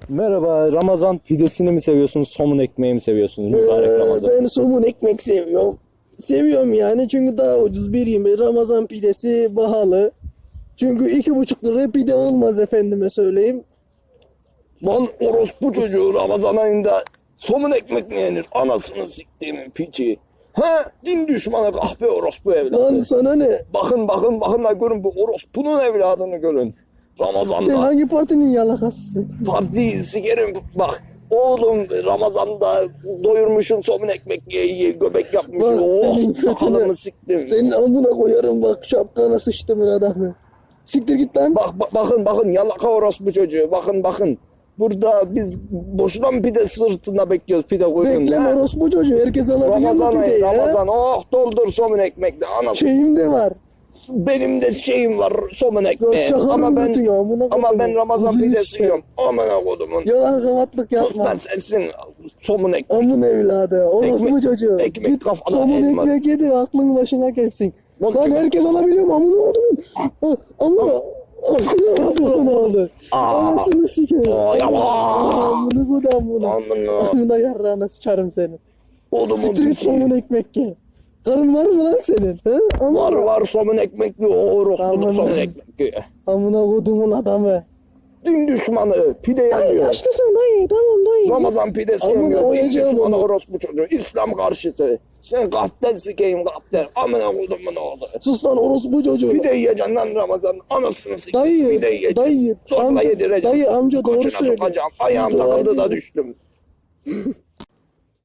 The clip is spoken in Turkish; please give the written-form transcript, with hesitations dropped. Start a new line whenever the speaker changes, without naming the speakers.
Merhaba, Ramazan pidesini mi seviyorsunuz, somun ekmeği mi seviyorsunuz? Mübarek Ramazan.
Ben somun ekmek seviyorum. Seviyorum yani çünkü daha ucuz biriyim. Ramazan pidesi pahalı. Çünkü 2,5 liraya pide olmaz efendime söyleyeyim.
Lan orospu çocuğu Ramazan ayında somun ekmek mi yenir? Anasını siktiğimin piçi. Ha? Din düşmanı kahpe orospu evladı.
Lan sana ne?
Bakın da görün bu orospunun evladını görün.
Sen
Ramazan'da
hangi partinin yalakasısın?
partiyi sikerim bak. Oğlum Ramazan'da doyurmuşum somun ekmek ye göbek yapmış.
Bak,
Oh
senin götüne-
sakalımı siktim.
Senin amına koyarım bak şapkana sıçtımın adamı. Siktir git lan.
Bakın yalaka orospu çocuğu bakın. Burada biz boşuna mı pide sırtında bekliyoruz pide koyun.
Bekleme orospu çocuğu. Herkes alabiliyor
Ramazan
mu
ayı
pideyi
Ramazan oh doldur somun ekmekle anasını.
Şeyim de var.
Benim de şeyim var somun ekmeği.
çakarım
Ama ben
götü ya, amına
ama ben
kodumun.
Ramazan
Kızını
pidesi
sikerim.
yiyorum. Amına kodumun.
Yalan kavatlık
Sus
yapma.
lan sensin somun ekmek.
Amın evladı. Orospu
Ekmek-
çocuğu.
ekmek
Git
kafana
somun
elma.
ekmek yedi aklın başına gelsin.
Lan
Lan
kim-
herkes alabiliyor mu? Amına kodumun. Amına. Amına kodumun oğlu. Anasını sikerim. Amına kodum.
Amına
Amına yarrağına sıçarım seni.
kodumun
Siktir git
piçi.
somun ekmek ye. Karın var mı lan senin? He? Amına.
Var somun ekmekli o orospuluk
Aman.
somun ekmekli.
Amına kodumun adamı.
Din düşmanı pide
Dayı
yemiyor.
yaşlısın dayı. Tamam dayı.
Ramazan pidesi
Amına
yemiyor. Din
koyacağım
düşmanı
onu.
orospu çocuğu. İslam karşıtı. Sen gaftel sikeyim gaftel. Amına kodumun oğlu.
Sus lan orospu çocuğu.
Pide yiyeceksin lan Ramazan. Anasını sikeyim.
Dayı,
Pide yiyeceksin.
dayı,
Zorla
amca,
yedireceğim.
dayı amca doğru
Koçuna
söylüyor.
sokacağım. Ayağım
Dua
takıldı da
edin.
düştüm.